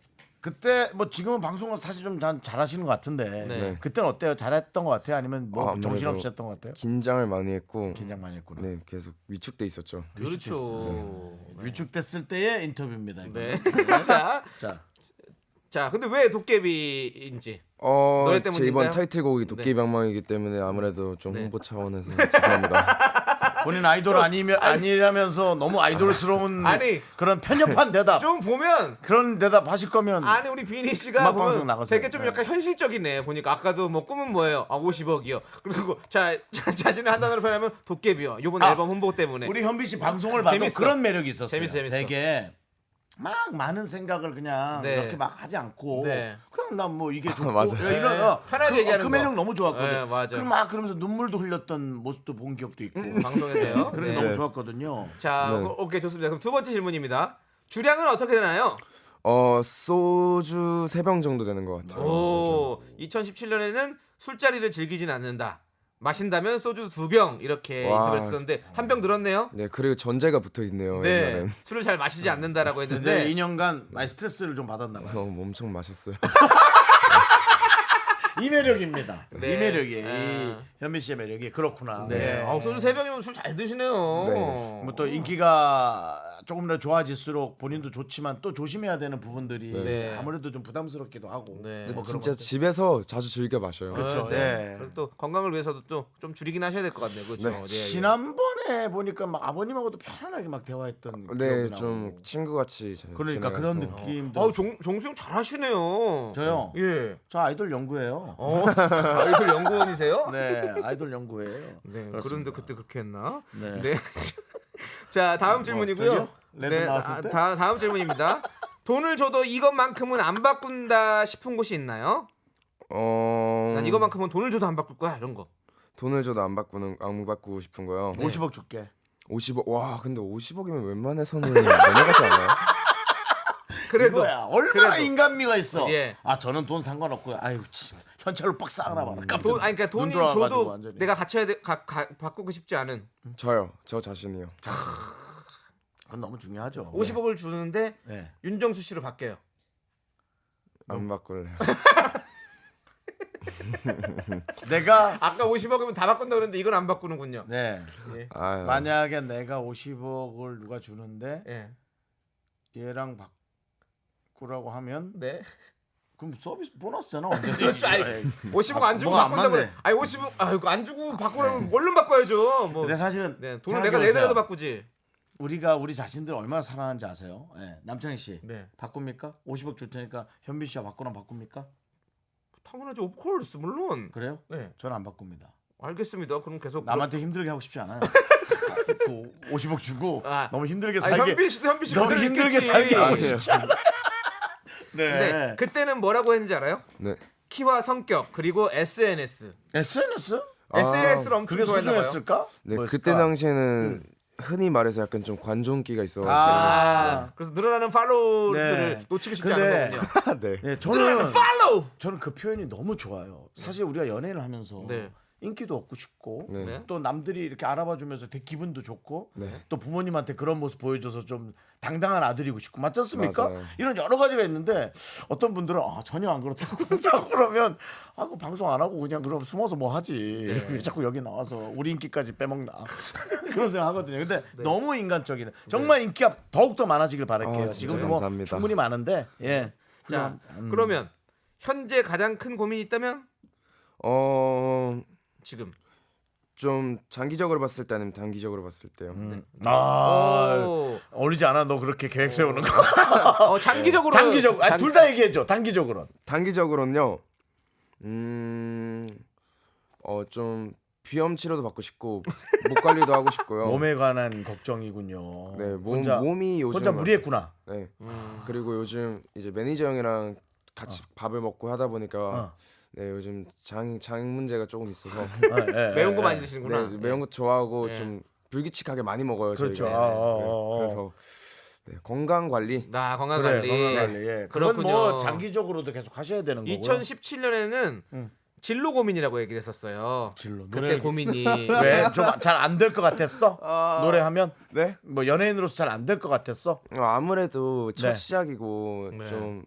[SPEAKER 1] 그때 뭐 지금은 방송을 사실 좀 잘- 잘하시는 것 같은데
[SPEAKER 2] 네.
[SPEAKER 1] 그때는 어때요? 잘했던 것 같아요? 아니면 뭐
[SPEAKER 3] 아, 아무래도
[SPEAKER 1] 정신없으셨던 것 같아요?
[SPEAKER 3] 긴장을 많이 했고
[SPEAKER 1] 긴장 많이 했구나.
[SPEAKER 3] 네 계속 위축돼 있었죠.
[SPEAKER 2] 그렇죠.
[SPEAKER 1] 위축됐을 때의 인터뷰입니다. 이거는.
[SPEAKER 2] 네. 자,
[SPEAKER 1] 자,
[SPEAKER 2] 자, 근데 왜 도깨비인지.
[SPEAKER 3] 어,
[SPEAKER 2] 노래
[SPEAKER 3] 제
[SPEAKER 2] 때문인가요?
[SPEAKER 3] 이번 타이틀곡이 도깨비
[SPEAKER 2] 네.
[SPEAKER 3] 방망이기 때문에 아무래도 좀
[SPEAKER 2] 네.
[SPEAKER 3] 홍보 차원에서 죄송합니다.
[SPEAKER 1] 본인 아이돌 아니면 아니라면서 너무 아이돌스러운
[SPEAKER 2] 아니.
[SPEAKER 1] 그런 편협한 대답
[SPEAKER 2] 좀 보면
[SPEAKER 1] 그런 대답 하실 거면
[SPEAKER 2] 아니 우리 비니 씨가
[SPEAKER 1] 음악 방송
[SPEAKER 2] 보면
[SPEAKER 1] 나가세요.
[SPEAKER 2] 되게 좀
[SPEAKER 1] 네.
[SPEAKER 2] 약간 현실적이네. 보니까 아까도 뭐 꿈은 뭐예요? 아 오십억이요. 그리고 자, 자 자신을 한 단어로 표현하면 도깨비요. 이번
[SPEAKER 1] 아,
[SPEAKER 2] 앨범 홍보 때문에.
[SPEAKER 1] 우리 현비 씨 방송을 봐도
[SPEAKER 2] 재밌어.
[SPEAKER 1] 그런 매력이 있었어요.
[SPEAKER 2] 재밌어, 재밌어.
[SPEAKER 1] 되게 막 많은 생각을 그냥
[SPEAKER 2] 네.
[SPEAKER 1] 이렇게 막 하지 않고
[SPEAKER 2] 네.
[SPEAKER 1] 그냥 난 뭐 이게 좋고
[SPEAKER 3] 맞아요.
[SPEAKER 1] 야, 이런
[SPEAKER 2] 네.
[SPEAKER 1] 어,
[SPEAKER 2] 편하게
[SPEAKER 1] 그,
[SPEAKER 2] 얘기하는
[SPEAKER 1] 그
[SPEAKER 2] 거.
[SPEAKER 1] 매력 너무 좋았거든.
[SPEAKER 2] 네, 맞아.
[SPEAKER 1] 그럼 막 그러면서 눈물도 흘렸던 모습도 본 기억도 있고
[SPEAKER 2] 방송에서요.
[SPEAKER 1] 그런 게
[SPEAKER 2] 네.
[SPEAKER 1] 너무 좋았거든요.
[SPEAKER 2] 자,
[SPEAKER 3] 네.
[SPEAKER 2] 오- 오케이 좋습니다. 그럼 두 번째 질문입니다. 주량은 어떻게 되나요?
[SPEAKER 3] 어 소주 세 병 정도 되는 것 같아요.
[SPEAKER 2] 오, 이천십칠 년에는 술자리를 즐기진 않는다. 마신다면 소주 두 병 이렇게
[SPEAKER 3] 와,
[SPEAKER 2] 인터뷰를 썼는데 한 병 늘었네요.
[SPEAKER 3] 네 그리고 전제가 붙어 있네요.
[SPEAKER 2] 네,
[SPEAKER 3] 옛날엔
[SPEAKER 2] 술을 잘 마시지 않는다라고
[SPEAKER 1] 근데
[SPEAKER 2] 했는데
[SPEAKER 1] 이 년간 많이 스트레스를 좀 받았나 봐요.
[SPEAKER 3] 어, 엄청 마셨어요.
[SPEAKER 1] 이 매력입니다.
[SPEAKER 2] 네.
[SPEAKER 1] 이 매력이
[SPEAKER 2] 아.
[SPEAKER 1] 이 현미 씨의 매력이 그렇구나.
[SPEAKER 2] 네.
[SPEAKER 1] 예.
[SPEAKER 2] 아, 소주 세 병이면 술 잘 드시네요.
[SPEAKER 3] 네.
[SPEAKER 1] 뭐 또 인기가 조금 더 좋아질수록 본인도 좋지만 또 조심해야 되는 부분들이
[SPEAKER 2] 네.
[SPEAKER 1] 아무래도 좀 부담스럽기도 하고.
[SPEAKER 2] 네.
[SPEAKER 1] 뭐 그런
[SPEAKER 3] 진짜
[SPEAKER 1] 것들.
[SPEAKER 3] 집에서 자주 즐겨 마셔요.
[SPEAKER 1] 그렇죠.
[SPEAKER 2] 어, 네.
[SPEAKER 1] 예.
[SPEAKER 2] 그리고 또 건강을 위해서도 또 좀 줄이긴 하셔야 될 것 같네요. 그렇죠.
[SPEAKER 3] 네.
[SPEAKER 2] 예, 예.
[SPEAKER 1] 지난번에 보니까 막 아버님하고도 편안하게 막 대화했던
[SPEAKER 3] 네,
[SPEAKER 1] 기억이
[SPEAKER 3] 좀
[SPEAKER 1] 나고.
[SPEAKER 3] 친구 같이
[SPEAKER 1] 그러니까 그런
[SPEAKER 3] 지내가서.
[SPEAKER 1] 느낌도.
[SPEAKER 2] 아우 종 종수형 잘하시네요.
[SPEAKER 1] 저요?
[SPEAKER 2] 예.
[SPEAKER 1] 저 아이돌 연구예요.
[SPEAKER 2] 어, 아이돌 연구원이세요?
[SPEAKER 1] 네, 아이돌 연구예요.
[SPEAKER 2] 네.
[SPEAKER 1] 그렇습니다.
[SPEAKER 2] 그런데 그때 그렇게 했나?
[SPEAKER 1] 네.
[SPEAKER 2] 네. 자, 다음 질문이고요.
[SPEAKER 1] 저기요? 레드 나왔을
[SPEAKER 2] 아,
[SPEAKER 1] 때?
[SPEAKER 2] 다, 다음 질문입니다. 돈을 줘도 이것만큼은 안 바꾼다 싶은 곳이 있나요?
[SPEAKER 3] 어.
[SPEAKER 2] 난 이것만큼은 돈을 줘도 안 바꿀 거야 이런 거.
[SPEAKER 3] 돈을 줘도 안 바꾸는 안 바꾸고 싶은 거요.
[SPEAKER 2] 네.
[SPEAKER 1] 오십억 줄게.
[SPEAKER 3] 오십억. 와, 근데 오십억이면 웬만해서는 넘어가지 않아요?
[SPEAKER 2] 그래도
[SPEAKER 1] 이거야. 얼마나
[SPEAKER 2] 그래도.
[SPEAKER 1] 인간미가 있어.
[SPEAKER 2] 예.
[SPEAKER 1] 아 저는 돈 상관없고요. 아유 참, 현찰로 빡 싸나 봐라. 깜짝
[SPEAKER 2] 돈 아니 그러니까
[SPEAKER 1] 눈
[SPEAKER 2] 돈이
[SPEAKER 1] 돌아가가지고
[SPEAKER 2] 줘도
[SPEAKER 1] 완전히.
[SPEAKER 2] 내가 갖춰야 돼 가, 가, 바꾸고 싶지 않은
[SPEAKER 3] 저요. 저 자신이요.
[SPEAKER 1] 그건 너무 중요하죠.
[SPEAKER 2] 오십억을 주는데
[SPEAKER 1] 네.
[SPEAKER 2] 윤정수 씨로 바뀌어요.
[SPEAKER 3] 안 바꿀래요.
[SPEAKER 1] 내가
[SPEAKER 2] 아까 오십억이면 다 바꾼다 그랬는데 이건 안 바꾸는군요.
[SPEAKER 1] 네.
[SPEAKER 2] 예.
[SPEAKER 3] 아유.
[SPEAKER 1] 만약에 내가 오십억을 누가 주는데
[SPEAKER 2] 예.
[SPEAKER 1] 얘랑 바꾸라고 하면
[SPEAKER 2] 네.
[SPEAKER 1] 그럼 서비스 보너스잖아. 완전히.
[SPEAKER 2] 그렇죠. 아니, 오십억 안 주고
[SPEAKER 1] 뭐가 안
[SPEAKER 2] 바꾼다고.
[SPEAKER 1] 맞네.
[SPEAKER 2] 아니 오십억 아 이거 안 주고 바꾸라면 얼른 바꿔야죠. 뭐.
[SPEAKER 1] 근데 사실은
[SPEAKER 2] 네. 돈을 내가
[SPEAKER 1] 생각해보세요.
[SPEAKER 2] 내더라도 바꾸지.
[SPEAKER 1] 우리가 우리 자신들 얼마나 사랑하는지 아세요? 네. 남창희 씨
[SPEAKER 2] 네.
[SPEAKER 1] 바꿉니까? 오십억 줄 테니까 현빈 씨와 바꾸랑 바꿉니까?
[SPEAKER 2] 당연하죠. 오브 콜스 물론.
[SPEAKER 1] 그래요?
[SPEAKER 2] 네.
[SPEAKER 1] 저는 안 바꿉니다.
[SPEAKER 2] 알겠습니다. 그럼 계속
[SPEAKER 1] 남한테 힘들게 하고 싶지 않아요. 그 오십억 주고
[SPEAKER 2] 아.
[SPEAKER 1] 너무 힘들게
[SPEAKER 2] 아,
[SPEAKER 1] 살게
[SPEAKER 2] 현빈 씨도 현빈 씨
[SPEAKER 1] 너무
[SPEAKER 2] 그대로
[SPEAKER 1] 힘들게
[SPEAKER 2] 있겠지.
[SPEAKER 1] 살게 하고
[SPEAKER 3] 아니에요.
[SPEAKER 1] 싶지 않아요.
[SPEAKER 2] 네.
[SPEAKER 1] 네.
[SPEAKER 2] 그때는 뭐라고 했는지 알아요?
[SPEAKER 3] 네.
[SPEAKER 2] 키와 성격 그리고 에스엔에스.
[SPEAKER 1] 에스엔에스?
[SPEAKER 3] 아,
[SPEAKER 2] 에스엔에스를 엄청
[SPEAKER 1] 그게
[SPEAKER 2] 좋아했나 봐요.
[SPEAKER 1] 소중했을까?
[SPEAKER 3] 네,
[SPEAKER 1] 뭐였을까?
[SPEAKER 3] 그때 당시에는 흔히 말해서 약간 좀 관종기가 있어.
[SPEAKER 1] 아,
[SPEAKER 2] 그래서 늘어나는 팔로우들을
[SPEAKER 1] 네.
[SPEAKER 2] 놓치고 싶지
[SPEAKER 1] 근데-
[SPEAKER 2] 않은 거군요.
[SPEAKER 3] 네.
[SPEAKER 1] 네,
[SPEAKER 2] 늘어나는
[SPEAKER 1] 저는
[SPEAKER 2] 팔로우.
[SPEAKER 1] 저는 그 표현이 너무 좋아요. 사실 우리가 연애를 하면서
[SPEAKER 2] 네.
[SPEAKER 1] 인기도 얻고 싶고
[SPEAKER 3] 네.
[SPEAKER 2] 네.
[SPEAKER 1] 또 남들이 이렇게 알아봐주면서 되게 기분도 좋고
[SPEAKER 3] 네.
[SPEAKER 1] 또 부모님한테 그런 모습 보여줘서 좀 당당한 아들이고 싶고 맞지 않습니까?
[SPEAKER 3] 맞아요.
[SPEAKER 1] 이런 여러 가지가 있는데 어떤 분들은 아, 전혀 안 그렇다고 자꾸 그러면 아, 그 방송 안 하고 그냥 그럼 숨어서 뭐 하지
[SPEAKER 2] 네.
[SPEAKER 1] 왜 자꾸 여기 나와서 우리 인기까지 빼먹나 그런 생각 하거든요. 근데
[SPEAKER 2] 네.
[SPEAKER 1] 너무 인간적이네. 정말 인기가 더욱 더 많아지길 바랄게요.
[SPEAKER 3] 아, 진짜
[SPEAKER 1] 지금도 뭐
[SPEAKER 3] 감사합니다.
[SPEAKER 1] 충분히 많은데 예.
[SPEAKER 2] 자,
[SPEAKER 1] 음.
[SPEAKER 2] 그러면 현재 가장 큰 고민이 있다면
[SPEAKER 3] 어,
[SPEAKER 2] 지금.
[SPEAKER 3] 좀 장기적으로 봤을 때 아니면 단기적으로 봤을 때요.
[SPEAKER 1] 음. 아
[SPEAKER 2] 오.
[SPEAKER 1] 어울리지 않아 너 그렇게 계획 세우는 거.
[SPEAKER 2] 어, 장기적으로.
[SPEAKER 1] 단기적
[SPEAKER 2] 장-
[SPEAKER 1] 둘 다 얘기해줘. 단기적으로.
[SPEAKER 3] 단기적으로는요. 음. 어, 좀 비염 치료도 받고 싶고 목 관리도 하고 싶고요.
[SPEAKER 1] 몸에 관한 걱정이군요.
[SPEAKER 3] 네, 몸
[SPEAKER 1] 혼자
[SPEAKER 3] 몸이 요즘
[SPEAKER 1] 혼자 무리했구나.
[SPEAKER 3] 네.
[SPEAKER 2] 음.
[SPEAKER 3] 그리고 요즘 이제 매니저 형이랑 같이 밥을 먹고 하다 보니까
[SPEAKER 1] 어.
[SPEAKER 3] 네, 요즘 장 장 문제가 조금 있어서
[SPEAKER 1] 어, 예,
[SPEAKER 2] 매운
[SPEAKER 1] 예,
[SPEAKER 2] 거 많이
[SPEAKER 1] 예.
[SPEAKER 2] 드시는구나.
[SPEAKER 3] 네, 매운 거 좋아하고
[SPEAKER 2] 네.
[SPEAKER 3] 좀 불규칙하게 많이 먹어요.
[SPEAKER 1] 그렇죠.
[SPEAKER 3] 저희가.
[SPEAKER 1] 아,
[SPEAKER 3] 네,
[SPEAKER 1] 어, 어, 어.
[SPEAKER 3] 그래서 네, 건강 관리.
[SPEAKER 2] 나 건강
[SPEAKER 1] 그래,
[SPEAKER 2] 관리.
[SPEAKER 1] 건강 관리. 예. 그건
[SPEAKER 2] 그렇군요.
[SPEAKER 1] 뭐 장기적으로도 계속 하셔야 되는 거고요.
[SPEAKER 2] 이천십칠 년에는
[SPEAKER 1] 음.
[SPEAKER 2] 진로 고민이라고 얘기를 했었어요.
[SPEAKER 1] 진로.
[SPEAKER 2] 그때
[SPEAKER 1] 노래
[SPEAKER 2] 고민이
[SPEAKER 1] 왜 좀 잘 안 될 것 같았어? 노래하면
[SPEAKER 3] 네?
[SPEAKER 1] 뭐 연예인으로서 잘 안 될 것 같았어?
[SPEAKER 3] 어, 아무래도 첫
[SPEAKER 1] 네.
[SPEAKER 3] 시작이고
[SPEAKER 2] 네.
[SPEAKER 3] 좀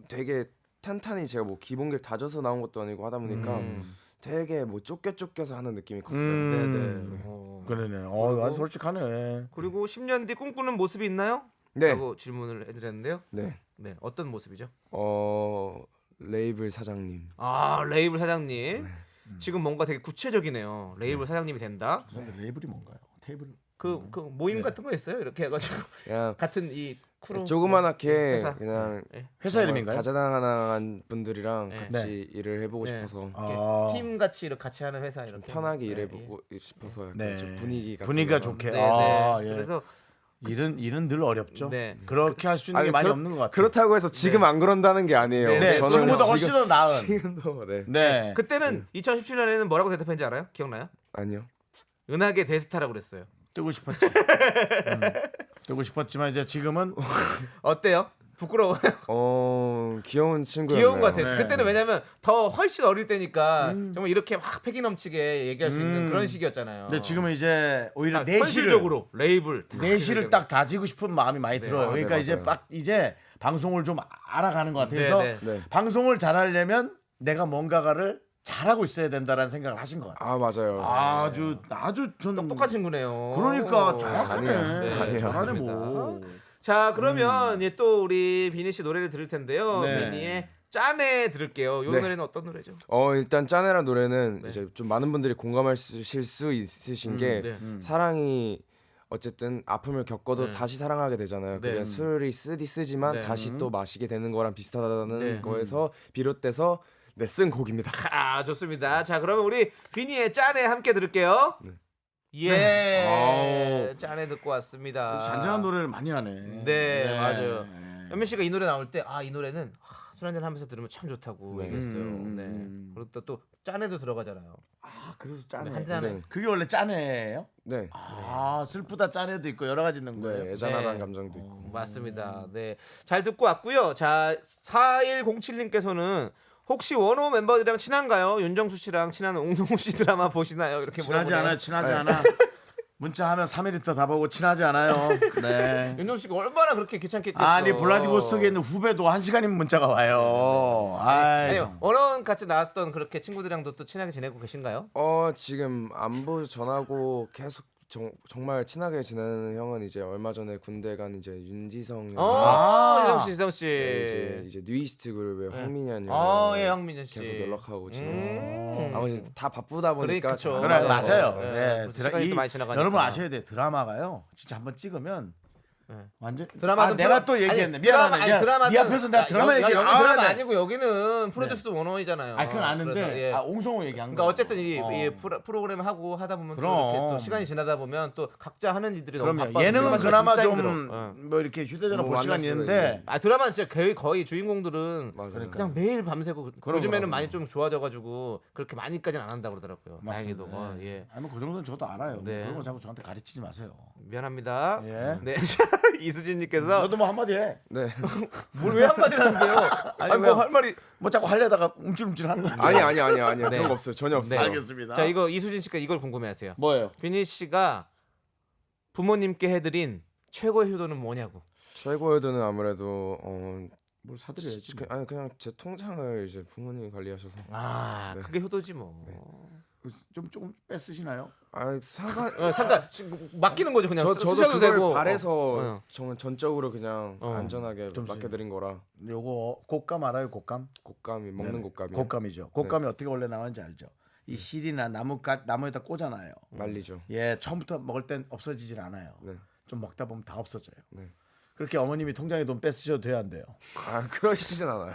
[SPEAKER 3] 되게 탄탄히 제가 뭐 기본기를 다져서 나온 것도 아니고 하다 보니까
[SPEAKER 2] 음.
[SPEAKER 3] 되게 뭐 쫓겨 쫓겨서 하는 느낌이 컸어요.
[SPEAKER 1] 음.
[SPEAKER 2] 네네. 어.
[SPEAKER 1] 그러네. 어, 아주 솔직하네.
[SPEAKER 2] 그리고 십 년 뒤 꿈꾸는 모습이 있나요?
[SPEAKER 3] 네.
[SPEAKER 2] 라고 질문을 해드렸는데요.
[SPEAKER 3] 네.
[SPEAKER 2] 네, 어떤 모습이죠?
[SPEAKER 3] 어 레이블 사장님.
[SPEAKER 2] 아, 레이블 사장님.
[SPEAKER 3] 네.
[SPEAKER 2] 지금 뭔가 되게 구체적이네요. 레이블 사장님이 된다.
[SPEAKER 1] 근데 레이블이 뭔가요? 테이블.
[SPEAKER 2] 그, 그 모임
[SPEAKER 1] 네.
[SPEAKER 2] 같은 거 있어요? 이렇게 해가지고
[SPEAKER 3] 그냥
[SPEAKER 2] 같은 이 크루
[SPEAKER 3] 조그만하게
[SPEAKER 2] 회사.
[SPEAKER 3] 그냥
[SPEAKER 2] 네.
[SPEAKER 1] 회사 이름인가요?
[SPEAKER 3] 다자당한 분들이랑
[SPEAKER 2] 네.
[SPEAKER 3] 같이 일을 해보고
[SPEAKER 2] 네.
[SPEAKER 3] 싶어서
[SPEAKER 1] 아.
[SPEAKER 2] 팀 같이 이렇게 같이 하는 회사
[SPEAKER 3] 좀
[SPEAKER 2] 이렇게
[SPEAKER 3] 편하게
[SPEAKER 2] 네,
[SPEAKER 3] 일해보고 싶어서 약간
[SPEAKER 1] 네.
[SPEAKER 3] 좀 분위기가
[SPEAKER 1] 분위기가
[SPEAKER 3] 좀-
[SPEAKER 1] 좋게.
[SPEAKER 2] 예. 네,
[SPEAKER 1] 아,
[SPEAKER 2] 네.
[SPEAKER 1] 예.
[SPEAKER 2] 그래서
[SPEAKER 1] 일은 일은 늘 어렵죠.
[SPEAKER 2] 네.
[SPEAKER 1] 그렇게 할 수 있는
[SPEAKER 3] 아니,
[SPEAKER 1] 게 많이
[SPEAKER 3] 그렇-
[SPEAKER 1] 없는 것 같아요.
[SPEAKER 3] 그렇다고 해서 지금 안 그런다는 게 아니에요.
[SPEAKER 2] 네,
[SPEAKER 1] 네,
[SPEAKER 3] 저는
[SPEAKER 1] 지금보다
[SPEAKER 3] 지금-
[SPEAKER 1] 훨씬 더 나은.
[SPEAKER 3] 지금도 네.
[SPEAKER 1] 네.
[SPEAKER 2] 그때는 이천십칠 년에는 뭐라고 대답했는지 알아요? 기억나요?
[SPEAKER 3] 아니요.
[SPEAKER 2] 은하계 대스타라고 그랬어요.
[SPEAKER 1] 뜨고 싶었지. 음. 뜨고 싶었지만 이제 지금은
[SPEAKER 2] 어때요? 부끄러워요?
[SPEAKER 3] 어 귀여운 친구였네요.
[SPEAKER 2] 귀여운 것 같아요.
[SPEAKER 1] 네.
[SPEAKER 2] 그때는 왜냐면 더 훨씬 어릴 때니까
[SPEAKER 1] 음.
[SPEAKER 2] 정말 이렇게 막 패기 넘치게 얘기할 수 있는
[SPEAKER 1] 음.
[SPEAKER 2] 그런 시기였잖아요.
[SPEAKER 1] 근데 지금은 이제 오히려
[SPEAKER 2] 딱
[SPEAKER 1] 내실을
[SPEAKER 2] 현실적으로 레이블 다
[SPEAKER 1] 내실을
[SPEAKER 2] 현실적으로.
[SPEAKER 1] 딱 다지고 싶은 마음이 많이
[SPEAKER 2] 네.
[SPEAKER 1] 들어요.
[SPEAKER 3] 아, 네,
[SPEAKER 1] 그러니까 이제
[SPEAKER 3] 맞아요.
[SPEAKER 1] 빡 이제 방송을 좀 알아가는 것 같아서
[SPEAKER 2] 네,
[SPEAKER 3] 네.
[SPEAKER 1] 방송을 잘하려면 내가 뭔가를 잘하고 있어야 된다라는 생각을 하신 것 같아요.
[SPEAKER 3] 아 맞아요.
[SPEAKER 1] 아주 아주 전
[SPEAKER 2] 똑똑한 친구네요.
[SPEAKER 1] 그러니까 정확하네.
[SPEAKER 3] 아니에요.
[SPEAKER 2] 네,
[SPEAKER 3] 아니에요.
[SPEAKER 1] 잘하네
[SPEAKER 2] 맞습니다.
[SPEAKER 1] 뭐.
[SPEAKER 2] 자, 그러면 이제 또 우리 비니 씨 노래를 들을 텐데요.
[SPEAKER 1] 네.
[SPEAKER 2] 비니의 짠해 들을게요. 이
[SPEAKER 3] 네.
[SPEAKER 2] 노래는 어떤 노래죠?
[SPEAKER 3] 어 일단 짠해란 노래는
[SPEAKER 2] 네.
[SPEAKER 3] 이제 좀 많은 분들이 공감하실 수 있으신 게
[SPEAKER 2] 네.
[SPEAKER 3] 사랑이 어쨌든 아픔을 겪어도
[SPEAKER 2] 네.
[SPEAKER 3] 다시 사랑하게 되잖아요.
[SPEAKER 2] 네.
[SPEAKER 3] 그게 술이 쓰디 쓰지만
[SPEAKER 2] 네.
[SPEAKER 3] 다시 또 마시게 되는 거랑 비슷하다는
[SPEAKER 2] 네.
[SPEAKER 3] 거에서 비롯돼서 네, 쓴 곡입니다.
[SPEAKER 2] 아, 좋습니다. 자, 그러면 우리 비니의 짠해 함께 들을게요.
[SPEAKER 3] 네.
[SPEAKER 2] 예.
[SPEAKER 1] 아우.
[SPEAKER 2] 짠해 듣고 왔습니다.
[SPEAKER 1] 잔잔한 노래를 많이 하네.
[SPEAKER 2] 네, 맞아요. 현민 씨가 이 노래 나올 때 아, 이 노래는 하, 술 한잔 하면서 들으면 참 좋다고
[SPEAKER 3] 네.
[SPEAKER 2] 얘기했어요.
[SPEAKER 1] 음,
[SPEAKER 2] 네.
[SPEAKER 1] 음.
[SPEAKER 2] 그리고 또, 또 짠해도 들어가잖아요.
[SPEAKER 1] 아 그래서 짠해.
[SPEAKER 2] 한 잔에
[SPEAKER 3] 네.
[SPEAKER 1] 그게 원래 짠해예요?
[SPEAKER 3] 네.
[SPEAKER 1] 아 슬프다 짠해도 있고 여러 가지 있는 거예요.
[SPEAKER 3] 네, 애잔하다는
[SPEAKER 2] 네.
[SPEAKER 3] 감정도 있고.
[SPEAKER 2] 맞습니다. 네. 잘 듣고 왔고요. 자, 사일공칠 님께서는 혹시 원호 멤버들이랑 친한가요? 윤정수 씨랑 친한 옹동우 씨 드라마 보시나요? 이렇게
[SPEAKER 1] 친하지
[SPEAKER 2] 물어보네요.
[SPEAKER 1] 않아요. 친하지 않아. 문자하면 삼 일 있다 다 보고 친하지 않아요. 네.
[SPEAKER 2] 윤정수 씨가 얼마나 그렇게 귀찮겠겠어.
[SPEAKER 1] 아니 블라디보스토크에 있는 후배도 한 시간이면 문자가 와요. 아이,
[SPEAKER 2] 아니,
[SPEAKER 1] 정-
[SPEAKER 2] 원호는 같이 나왔던 그렇게 친구들이랑도 또 친하게 지내고 계신가요?
[SPEAKER 3] 어 지금 안부 전하고 계속 정, 정말 친하게 지내는 형은 이제 얼마 전에 군대 간 이제 윤지성 형.
[SPEAKER 2] 어,
[SPEAKER 1] 아.
[SPEAKER 2] 윤정 씨, 지성 씨.
[SPEAKER 3] 네, 이제 이제 뉴이스트 그룹의
[SPEAKER 2] 네.
[SPEAKER 3] 황민현 형.
[SPEAKER 2] 아, 예, 황민현 씨.
[SPEAKER 3] 계속 연락하고 지냈어요.
[SPEAKER 2] 음.
[SPEAKER 3] 아버지 다 바쁘다 보니까
[SPEAKER 2] 그래, 그쵸.
[SPEAKER 3] 잘
[SPEAKER 1] 그래
[SPEAKER 3] 안
[SPEAKER 1] 맞아요.
[SPEAKER 3] 만나서.
[SPEAKER 2] 네.
[SPEAKER 1] 네.
[SPEAKER 2] 그래서
[SPEAKER 1] 드라,
[SPEAKER 2] 시간이
[SPEAKER 1] 이,
[SPEAKER 2] 또 많이 지나가니까.
[SPEAKER 1] 여러분 아셔야 돼. 드라마가요. 진짜 한번 찍으면
[SPEAKER 2] 네.
[SPEAKER 1] 완전
[SPEAKER 2] 드라마도
[SPEAKER 1] 아, 내가
[SPEAKER 2] 프로-
[SPEAKER 1] 또 얘기했네.
[SPEAKER 2] 아니,
[SPEAKER 1] 미안하네.
[SPEAKER 2] 드라마, 아니,
[SPEAKER 1] 미안.
[SPEAKER 2] 드라마도-
[SPEAKER 1] 네 앞에서 내가
[SPEAKER 2] 야,
[SPEAKER 1] 드라마
[SPEAKER 2] 여기,
[SPEAKER 1] 얘기
[SPEAKER 2] 여기
[SPEAKER 1] 아,
[SPEAKER 2] 드라마
[SPEAKER 1] 네.
[SPEAKER 2] 아니고 여기는 프로듀스도 원호이잖아요.
[SPEAKER 1] 아 그건 아는데
[SPEAKER 2] 그래서, 예.
[SPEAKER 1] 아 옹성호 얘기한
[SPEAKER 2] 그러니까
[SPEAKER 1] 거.
[SPEAKER 2] 어쨌든 이,
[SPEAKER 1] 어.
[SPEAKER 2] 이 프로, 프로그램 하고 하다 보면 또
[SPEAKER 1] 그럼.
[SPEAKER 2] 이렇게 또 시간이 지나다 보면 또 각자 하는 일들이 너무
[SPEAKER 1] 그럼요.
[SPEAKER 2] 바빠서
[SPEAKER 1] 예능은
[SPEAKER 2] 드라마가
[SPEAKER 1] 그나마
[SPEAKER 2] 진짜
[SPEAKER 1] 좀
[SPEAKER 2] 힘들어.
[SPEAKER 1] 뭐
[SPEAKER 2] 어.
[SPEAKER 1] 이렇게 휴대전화
[SPEAKER 3] 뭐
[SPEAKER 1] 볼 시간이
[SPEAKER 3] 만날 수는
[SPEAKER 1] 있는데
[SPEAKER 3] 있는데.
[SPEAKER 2] 아 드라마는 진짜 거의, 거의 주인공들은
[SPEAKER 3] 맞아요.
[SPEAKER 2] 그냥 매일 밤새고
[SPEAKER 1] 그럼,
[SPEAKER 2] 요즘에는
[SPEAKER 1] 그럼.
[SPEAKER 2] 많이 좀 좋아져가지고 그렇게 많이까지는 안 한다 고 그러더라고요.
[SPEAKER 1] 맞습니다.
[SPEAKER 2] 다행히도 어,
[SPEAKER 1] 네.
[SPEAKER 2] 예.
[SPEAKER 1] 아니 뭐그 정도는 저도 알아요.
[SPEAKER 2] 네.
[SPEAKER 1] 그런 거 자꾸 저한테 가르치지 마세요.
[SPEAKER 2] 미안합니다.
[SPEAKER 1] 예.
[SPEAKER 2] 네 이수진님께서
[SPEAKER 1] 너도 뭐 한마디 해.
[SPEAKER 3] 네.
[SPEAKER 2] 뭘 왜 한마디를 하는데요? 아니
[SPEAKER 1] 왜요?
[SPEAKER 2] 뭐 할 말이
[SPEAKER 1] 뭐 자꾸 하려다가 움찔움찔 하는 거 같아.
[SPEAKER 3] 아니 아니 아니 아니
[SPEAKER 2] 네.
[SPEAKER 3] 그런 거 없어요. 전혀 없어요.
[SPEAKER 2] 네.
[SPEAKER 1] 알겠습니다.
[SPEAKER 2] 자 이거 이수진 씨가 이걸 궁금해하세요.
[SPEAKER 1] 뭐예요?
[SPEAKER 2] 비니 씨가 부모님께 해드린 최고의 효도는 뭐냐고.
[SPEAKER 3] 최고의 돈은 아무래도 어
[SPEAKER 1] 뭘 사드려야지.
[SPEAKER 3] 그, 아니 그냥 제 통장을 이제 부모님이 관리하셔서
[SPEAKER 2] 아
[SPEAKER 3] 네.
[SPEAKER 2] 그게 효도지 뭐.
[SPEAKER 1] 좀 조금 뺏으시나요?
[SPEAKER 3] 아 상관
[SPEAKER 2] 어, 잠깐 지금 맡기는 거죠 그냥.
[SPEAKER 3] 저
[SPEAKER 2] 쓰-
[SPEAKER 3] 저도
[SPEAKER 2] 쓰셔도
[SPEAKER 3] 그걸
[SPEAKER 2] 되고.
[SPEAKER 3] 바래서
[SPEAKER 2] 어, 어.
[SPEAKER 3] 정말 전적으로 그냥
[SPEAKER 2] 어.
[SPEAKER 3] 안전하게
[SPEAKER 1] 좀
[SPEAKER 3] 맡겨드린 거라
[SPEAKER 1] 요거 곶감 알아요? 곶감?
[SPEAKER 3] 곶감이 먹는
[SPEAKER 1] 네네.
[SPEAKER 3] 곶감이
[SPEAKER 1] 곶감이죠. 곶감이 어떻게 원래 나오는지 알죠? 이 실이나 나무가 나무에다 꽂아놔요.
[SPEAKER 3] 말리죠.
[SPEAKER 1] 예, 처음부터 먹을 땐 없어지질 않아요.
[SPEAKER 3] 네.
[SPEAKER 1] 좀 먹다 보면 다 없어져요.
[SPEAKER 3] 네.
[SPEAKER 1] 그렇게 어머님이 통장에 돈 뺏으셔도 돼요, 안 돼요?
[SPEAKER 3] 아 그러시진 않아요.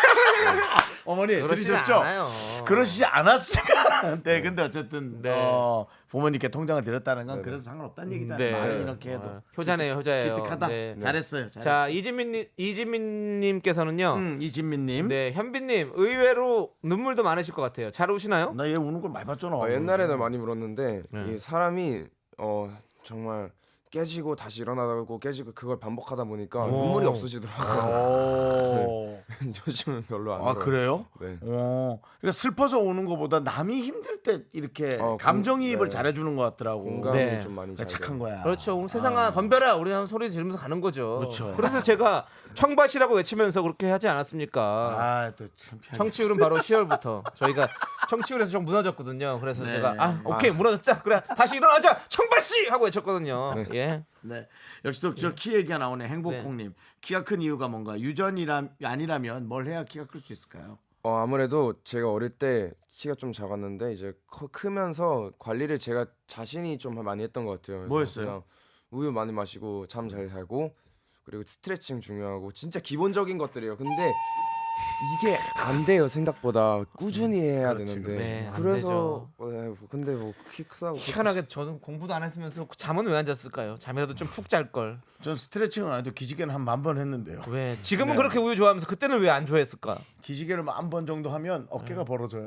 [SPEAKER 1] 어머니
[SPEAKER 2] 그러시지
[SPEAKER 1] 들으셨죠?
[SPEAKER 2] 않아요.
[SPEAKER 1] 그러시지 않았어요. 네, 근데 어쨌든
[SPEAKER 2] 네.
[SPEAKER 1] 어, 부모님께 통장을 드렸다는 건
[SPEAKER 3] 네네.
[SPEAKER 1] 그래도 상관없다는 얘기잖아요.
[SPEAKER 2] 네.
[SPEAKER 1] 말은 이렇게 해도
[SPEAKER 2] 어, 효자네요, 효자예요.
[SPEAKER 1] 기특하다.
[SPEAKER 2] 네.
[SPEAKER 1] 잘했어요. 잘했어.
[SPEAKER 2] 자 이진민 이진민님께서는요.
[SPEAKER 1] 음, 이진민님.
[SPEAKER 2] 네 현빈님 의외로 눈물도 많으실 것 같아요. 잘 우시나요?
[SPEAKER 1] 나 얘 우는 걸 많이 봤잖아.
[SPEAKER 3] 어, 옛날에는 많이 울었는데
[SPEAKER 2] 네.
[SPEAKER 3] 이 사람이 어 정말 깨지고 다시 일어나고 깨지고 그걸 반복하다 보니까
[SPEAKER 1] 오.
[SPEAKER 3] 눈물이 없어지더라고요.
[SPEAKER 1] 오.
[SPEAKER 3] 요즘은 별로 안
[SPEAKER 1] 아
[SPEAKER 3] 울어요.
[SPEAKER 1] 그래요?
[SPEAKER 3] 네.
[SPEAKER 1] 어. 그러니까 슬퍼서 오는 것보다 남이 힘들 때 이렇게
[SPEAKER 3] 어,
[SPEAKER 1] 감정이입을
[SPEAKER 3] 네.
[SPEAKER 1] 잘해주는 것 같더라고.
[SPEAKER 3] 공감이
[SPEAKER 2] 네.
[SPEAKER 3] 좀 많이 잘
[SPEAKER 1] 착한
[SPEAKER 3] 돼요.
[SPEAKER 1] 거야.
[SPEAKER 2] 그렇죠. 오늘 세상아 덤벼라. 우리는 소리 지르면서 가는 거죠.
[SPEAKER 1] 그렇죠.
[SPEAKER 2] 그래서 제가 청바시라고 외치면서 그렇게 하지 않았습니까?
[SPEAKER 1] 아또참
[SPEAKER 2] 청취율은 바로 시월부터 저희가 청취율에서 좀 무너졌거든요. 그래서
[SPEAKER 1] 네.
[SPEAKER 2] 제가 아 오케이 무너졌자. 그래 다시 일어나자. 청바시 하고 외쳤거든요. 예.
[SPEAKER 1] 네. 역시 또 저 키 얘기가 나오네. 행복콩님. 키가 큰 이유가 뭔가 유전이라 아니라면 뭘 해야 키가 클 수 있을까요?
[SPEAKER 3] 어 아무래도 제가 어릴 때 키가 좀 작았는데 이제 커, 크면서 관리를 제가 자신이 좀 많이 했던 것 같아요. 그래서
[SPEAKER 1] 뭐였어요?
[SPEAKER 3] 그냥 우유 많이 마시고 잠 잘 자고 그리고 스트레칭 중요하고 진짜 기본적인 것들이에요. 근데 이게 안 돼요 생각보다 꾸준히 해야
[SPEAKER 1] 그렇지,
[SPEAKER 3] 되는데
[SPEAKER 1] 그렇지.
[SPEAKER 2] 네, 안
[SPEAKER 3] 그래서 어, 네, 근데 뭐 키 크다고
[SPEAKER 2] 희한하게 저는 공부도 안 했으면서 잠은 왜 안 잤을까요? 잠이라도 좀 푹 잘 걸.
[SPEAKER 1] 전 스트레칭은 안 해도 기지개는 한 만 번 했는데요.
[SPEAKER 2] 왜? 지금은
[SPEAKER 1] 네.
[SPEAKER 2] 그렇게 우유 좋아하면서 그때는 왜 안 좋아했을까?
[SPEAKER 1] 기지개를 만 번 정도 하면 어깨가
[SPEAKER 2] 네.
[SPEAKER 1] 벌어져요.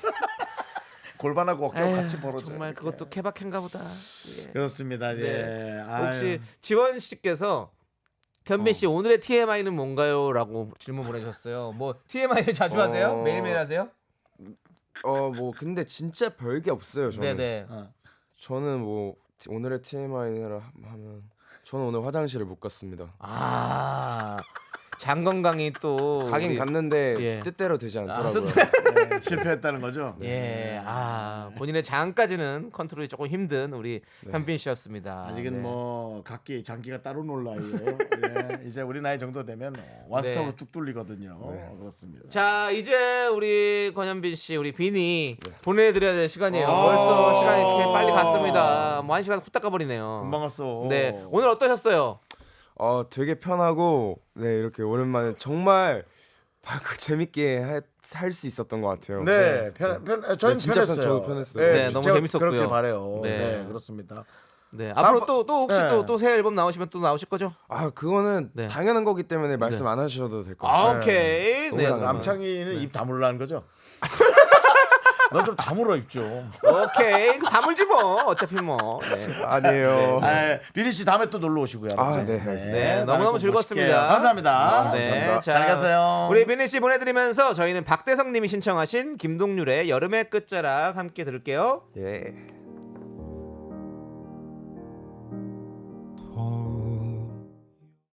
[SPEAKER 1] 골반하고 어깨가
[SPEAKER 2] 에휴,
[SPEAKER 1] 같이 벌어져요.
[SPEAKER 2] 정말
[SPEAKER 1] 이렇게.
[SPEAKER 2] 그것도 케바케인가 보다. 예.
[SPEAKER 1] 그렇습니다.
[SPEAKER 2] 네.
[SPEAKER 1] 예. 아유.
[SPEAKER 2] 혹시 지원 씨께서 현빈 씨 오늘의 티엠아이는 뭔가요?라고 질문 보내주셨어요. 뭐 티엠아이를 자주 하세요?
[SPEAKER 3] 어.
[SPEAKER 2] 매일매일 하세요?
[SPEAKER 3] 어 뭐 근데 진짜 별게 없어요 저는.
[SPEAKER 2] 네네.
[SPEAKER 1] 어.
[SPEAKER 3] 저는 뭐 오늘의 티엠아이를 하면 저는 오늘 화장실을 못 갔습니다.
[SPEAKER 2] 아 장건강이 또
[SPEAKER 3] 가긴
[SPEAKER 2] 우리-
[SPEAKER 3] 갔는데
[SPEAKER 2] 예.
[SPEAKER 3] 뜻대로 되지 않더라고요.
[SPEAKER 1] 네, 실패했다는 거죠.
[SPEAKER 2] 예, 아 본인의 장까지는 컨트롤이 조금 힘든 우리 현빈 씨였습니다.
[SPEAKER 1] 아직은
[SPEAKER 2] 네.
[SPEAKER 1] 뭐 각기 장기가 따로 놀 나이에요. 예, 이제 우리 나이 정도 되면 원스톱으로
[SPEAKER 2] 네.
[SPEAKER 1] 쭉 뚫리거든요. 그렇습니다.
[SPEAKER 2] 자 이제 우리 권현빈 씨, 우리 빈이 보내드려야 될 시간이에요.
[SPEAKER 1] 아.
[SPEAKER 2] 벌써 시간이 이렇게 빨리 갔습니다. 뭐 한 시간 후딱 가버리네요.
[SPEAKER 1] 금방 왔어.
[SPEAKER 2] 네, 오늘 어떠셨어요?
[SPEAKER 3] 어 되게 편하고 네 이렇게 오랜만에 정말 밝고 재밌게 할 수 있었던 것 같아요.
[SPEAKER 1] 네, 편, 편, 저는
[SPEAKER 3] 네, 진짜 편-
[SPEAKER 1] 편했어요.
[SPEAKER 3] 저도 편했어요.
[SPEAKER 2] 네, 너무
[SPEAKER 1] 제가
[SPEAKER 2] 재밌었고요.
[SPEAKER 1] 그렇게 바래요.
[SPEAKER 2] 네.
[SPEAKER 1] 네, 그렇습니다.
[SPEAKER 2] 네, 앞으로
[SPEAKER 1] 다음-
[SPEAKER 2] 또 또 혹시
[SPEAKER 1] 네.
[SPEAKER 2] 또 또 새 앨범 나오시면 또 나오실 거죠?
[SPEAKER 3] 아 그거는
[SPEAKER 2] 네.
[SPEAKER 3] 당연한 거기 때문에 말씀 안 하셔도 될 것
[SPEAKER 2] 아,
[SPEAKER 3] 같아요.
[SPEAKER 2] 오케이.
[SPEAKER 3] 너무
[SPEAKER 2] 네,
[SPEAKER 3] 당연해요.
[SPEAKER 1] 남창희는 입 다물라는 거죠? 넌 좀 다물어 입 좀.
[SPEAKER 2] 오케이. 다물지 뭐. 어차피 뭐. 네.
[SPEAKER 3] 아니에요.
[SPEAKER 1] 아, 비리 씨 다음에 또 놀러 오시고요.
[SPEAKER 3] 아,
[SPEAKER 1] 알았죠?
[SPEAKER 3] 네,
[SPEAKER 2] 네,
[SPEAKER 1] 다음에
[SPEAKER 2] 너무너무
[SPEAKER 1] 꼭
[SPEAKER 2] 즐거웠습니다.
[SPEAKER 1] 모실게요. 감사합니다.
[SPEAKER 2] 네,
[SPEAKER 1] 감사합니다.
[SPEAKER 2] 자,
[SPEAKER 1] 잘 가세요.
[SPEAKER 2] 우리 비니 씨 보내드리면서 저희는 박대성님이 신청하신 김동률의 여름의 끝자락 함께 들을게요.
[SPEAKER 3] 예.
[SPEAKER 5] 더운